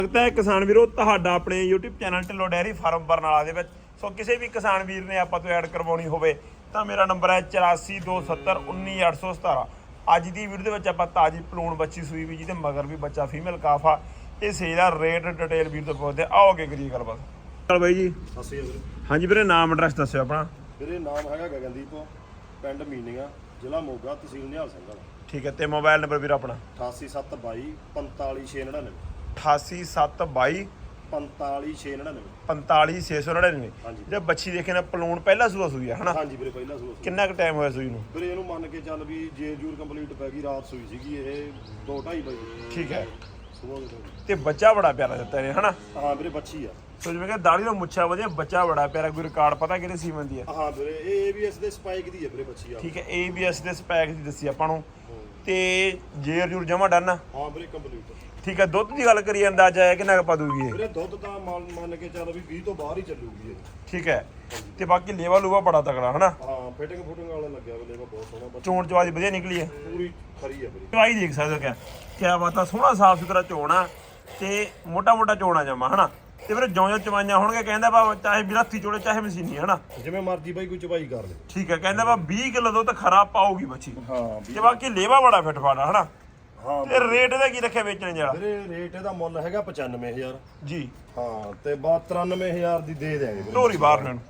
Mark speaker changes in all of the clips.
Speaker 1: लगता है किसान वीरो ਤੁਹਾਡਾ ਆਪਣੇ YouTube channel Dhillon dairy farm Barnala ਦੇ ਵਿੱਚ ਸੋ ਕਿਸੇ ਵੀ ਕਿਸਾਨ ਵੀਰ ਨੇ ਆਪਾਂ ਤੋਂ ਐਡ ਕਰਵਾਉਣੀ ਹੋਵੇ ਤਾਂ ਮੇਰਾ ਨੰਬਰ ਹੈ 8427191817। ਅੱਜ ਦੀ ਵੀਡੀਓ ਦੇ ਵਿੱਚ ਆਪਾਂ ਤਾਜੀ ਪਲੂਣ ਬੱਚੀ ਸੂਈ ਵੀ ਜਿਹਦੇ ਮਗਰ ਵੀ ਬੱਚਾ ਫੀਮੇਲ ਕਾਫ ਆ ਇਹ ਸੇਲ ਦਾ ਰੇਟ ਡਿਟੇਲ ਵੀਰ ਤੋਂ ਪੁੱਛਦੇ ਆਓ ਅੱਗੇ ਕਰੀਏ ਗੱਲਬਾਤ। ਚਲ ਬਾਈ ਜੀ
Speaker 2: ਸਤਿ ਸ਼੍ਰੀ ਅਕਾਲ ਵੀਰੇ।
Speaker 1: ਹਾਂਜੀ ਵੀਰੇ ਨਾਮ ਐਡਰੈਸ ਦੱਸਿਓ ਆਪਣਾ।
Speaker 2: ਵੀਰੇ ਨਾਮ ਹੈਗਾ ਗਗਨਦੀਪ, ਪਿੰਡ ਮੀਨੀਆਂ, ਜ਼ਿਲ੍ਹਾ ਮੋਗਾ, ਤਹਿਸੀਲ ਨਿਹਾਲ ਸਿੰਘ ਵਾਲਾ।
Speaker 1: ਠੀਕ ਹੈ ਤੇ ਮੋਬਾਈਲ ਨੰਬਰ ਵੀਰ ਆਪਣਾ
Speaker 2: 8872 45699
Speaker 1: 88722
Speaker 2: 45699
Speaker 1: 45699।
Speaker 2: ਹਾਂਜੀ।
Speaker 1: ਜੇ ਬੱਚੀ ਦੇਖੇ ਨਾ ਪਲੂਣ ਪਹਿਲਾ ਸੂਆ ਸੂਈ ਆ ਹਨਾ?
Speaker 2: ਹਾਂਜੀ ਵੀਰੇ ਪਹਿਲਾ ਸੂਆ।
Speaker 1: ਕਿੰਨਾ ਕੁ ਟਾਈਮ ਹੋਇਆ ਸੂਈ ਨੂੰ?
Speaker 2: ਵੀਰੇ ਇਹਨੂੰ ਮੰਨ ਕੇ ਚੱਲ ਵੀ ਜੇਰ ਜੂਰ ਕੰਪਲੀਟ ਪੈ ਗਈ, ਰਾਤ ਸੂਈ ਸੀਗੀ ਇਹ 2:30 ਵਜੇ।
Speaker 1: ਠੀਕ ਹੈ
Speaker 2: ਸੁਬਾਹ
Speaker 1: ਤੇ ਬੱਚਾ ਬੜਾ ਪਿਆਰਾ ਦਿੱਤਾ ਇਹਨੇ ਹਨਾ?
Speaker 2: ਹਾਂ ਵੀਰੇ ਬੱਚੀ ਆ।
Speaker 1: ਸੋ ਜਿਵੇਂ ਕਿ ਦਾੜੀ ਦਾ ਮੁੱਛਾ ਵਧੀਆ, ਬੱਚਾ ਬੜਾ ਪਿਆਰਾ। ਕੋਈ ਰਿਕਾਰਡ ਪਤਾ ਕਿਹੜੇ ਸੀਮਨ ਦੀ ਹੈ?
Speaker 2: ਹਾਂ ਵੀਰੇ ਇਹ ABS ਦੇ ਸਪਾਈਕ ਦੀ ਹੈ ਵੀਰੇ ਬੱਚੀ ਆ।
Speaker 1: ਠੀਕ ਹੈ ABS ਦੇ ਸਪੈਕ ਦੀ ਦੱਸੀ ਆਪਾਂ ਨੂੰ ਤੇ ਜੇਰ ਜੂਰ ਜਮਾ ਡਨ।
Speaker 2: ਹਾਂ ਵੀਰੇ ਕੰਪਲੀਟ।
Speaker 1: ਠੀਕ ਹੈ ਦੁੱਧ ਦੀ ਗੱਲ ਕਰੀਏ ਅੰਦਾਜ਼ਾ ਹੈ ਕਿੰਨਾ ਕੁ ਪਾ ਦੂਗੀ ਇਹ?
Speaker 2: ਵੀਰੇ ਦੁੱਧ ਤਾਂ ਮੰਨ ਕੇ ਚੱਲ ਵੀ 20 ਤੋਂ ਬਾਹਰ ਹੀ ਚੱਲੂਗੀ ਇਹ।
Speaker 1: ਠੀਕ ਹੈ ਤੇ ਬਾਕੀ ਲੇਵਾ ਲੂਵਾ ਬੜਾ ਤਕੜਾ ਹਨਾ?
Speaker 2: ਹਾਂ ਫਿਟਿੰਗ ਵਾਲਾ ਲੱਗਿਆ ਵੇ, ਲੇਵਾ ਬਹੁਤ ਸੋਹਣਾ ਬੱਚਾ,
Speaker 1: ਚੋਣ ਚਵਾਜ ਵਧੀਆ ਨਿਕਲੀ ਹੈ,
Speaker 2: ਪੂਰੀ ਖਰੀ ਆ ਵੀਰੇ।
Speaker 1: ਚਵਾਈ ਦੇਖ ਸਕਦੇ ਹੋ ਕਿਆ ਬਾਤ ਆ, ਸੋਹਣਾ ਸਾਫ ਸੁਥਰਾ ਚੋਣ ਆ ਤੇ ਮੋਟਾ ਮੋਟਾ ਚੋਣਾ ਜਮਾ ਹਨਾ? ਤੇ ਫਿਰ ਜਿਉਂ ਚਵਾਈਆਂ ਹੋਣਗੇ ਕਹਿੰਦਾ ਵਾ ਚਾਹੇ ਵੀ ਹੱਥੀ ਚੋੜੇ ਚਾਹੇ ਮਸ਼ੀਨੀ ਹਨਾ?
Speaker 2: ਜਿਵੇਂ ਮਰਜੀ ਬਾਈ ਕੋਈ ਚਵਾਈ ਕਰ ਲੈ।
Speaker 1: ਠੀਕ ਹੈ ਕਹਿੰਦਾ ਵਾ 20 ਕਿਲੋ ਦੁੱਧ ਖਰਾਬ ਪਾਊਗੀ ਬੱਚੀ
Speaker 2: ਹਾਂ
Speaker 1: ਤੇ ਬਾਕੀ ਲੇਵਾ ਬੜਾ ਫਿੱਟ ਫਾੜਾ ਹਨਾ?
Speaker 2: ਹਾਂ
Speaker 1: ਤੇ ਰੇਟ ਇਹਦਾ ਕੀ ਰੱਖਿਆ ਵੇਚਣ ਜਿਹੜਾ?
Speaker 2: ਵੀਰੇ ਰੇਟ ਇਹਦਾ ਮੁੱਲ ਹੈਗਾ 95000
Speaker 1: ਜੀ।
Speaker 2: ਹਾਂ ਤੇ 93000 ਦੀ ਦੇ ਦੇਾਂਗੇ ਵੀਰੇ।
Speaker 1: ਢੋਰੀ ਬਾਹਰ ਨੂੰ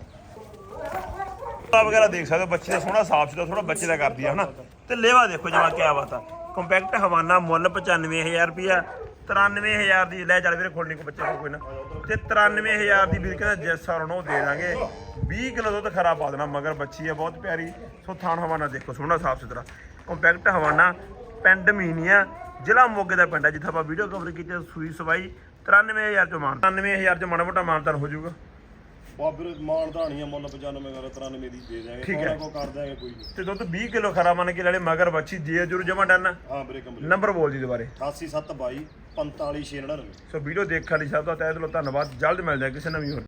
Speaker 1: ਵਗੈਰਾ ਦੇਖ ਸਕਦੇ ਹੋ, ਬੱਚੇ ਦਾ ਸੋਹਣਾ ਸਾਫ ਸੁਥਰਾ ਥੋੜਾ ਬੱਚੇ ਦਾ ਕਰਦੀ ਆ ਹਨਾ? ਤੇ ਲੇਵਾ ਦੇਖੋ ਜਮਾ ਕਿਆ ਬਾਤ ਆ। ਕੰਪੈਕਟ ਹਵਾਨਾ ਮੁੱਲ 95000 ਰੁਪਿਆ। 93000 ਦੀ ਲੈ ਚੱਲ ਵੀਰੇ ਖੋਲਣੀ ਕੋ ਬੱਚੇ ਨੂੰ ਕੋਈ ਨਾ। ਤੇ 93000 ਦੀ ਵੀਰ ਕਹਿੰਦਾ ਜਿਸ ਸਾਰ ਨੂੰ ਦੇ ਦਾਂਗੇ। 20 ਕਿਲੋ ਦੁੱਧ ਖਰਾ ਪਾ ਦੇਣਾ, ਮਗਰ ਬੱਚੀ ਹੈ ਬਹੁਤ ਪਿਆਰੀ। ਸੋ ਥਾਣ ਹਵਾਨਾ ਦੇਖੋ ਸੋਹਣਾ ਸਾਫ ਸੁਥਰਾ ਕੰਪੈਕਟ ਹਵਾਨਾ, ਪਿੰਡ ਮੀਨੀਆਂ, ਜ਼ਿਲ੍ਹਾ ਮੋਗੇ ਦਾ ਪਿੰਡ ਹੈ ਜਿੱਥੇ ਆਪਾਂ ਵੀਡੀਓ ਕਵਰ ਕੀਤੀ। ਸੂਈ ਸਵਾਈ 93000 ਚੋਂ ਮਾਨ 93000 ਚ ਮਾੜਾ ਮੋਟਾ ਮਾਨਤਾਨ ਹੋ ਜਾਊਗਾ।
Speaker 2: ਬਾਬਰ ਮਾਨਦਾਨੀਆਂ ਮੁੱਲ 95 ਕਰ 93 ਦੀ ਦੇ ਦੇਾਂਗੇ।
Speaker 1: ਠੀਕ ਹੈ
Speaker 2: ਕੋ ਕਰ ਦਾਂਗੇ ਕੋਈ ਨਹੀਂ।
Speaker 1: ਤੇ ਦੁੱਧ 20 ਕਿਲੋ ਖਰਾ ਮੰਨ ਕੇ ਲੈ ਲੈ, ਮਗਰ ਬੱਚੀ ਜੇ ਜੁਰ ਜਮਾ ਡਨ।
Speaker 2: ਹਾਂ ਵੀਰੇ ਕੰਪਲੀਟ।
Speaker 1: ਨੰਬਰ ਬੋਲ ਜੀ ਦੁਬਾਰੇ।
Speaker 2: 8872 45699।
Speaker 1: ਸੋ ਵੀਡੀਓ ਦੇਖਣ ਲਈ ਸਭ ਤੋਂ ਤਹਿ ਦਿਲੋਂ ਧੰਨਵਾਦ। ਜਲਦ ਮਿਲਦੇ ਹਾਂ ਕਿਸੇ ਨਵੀਂ ਹੋਰ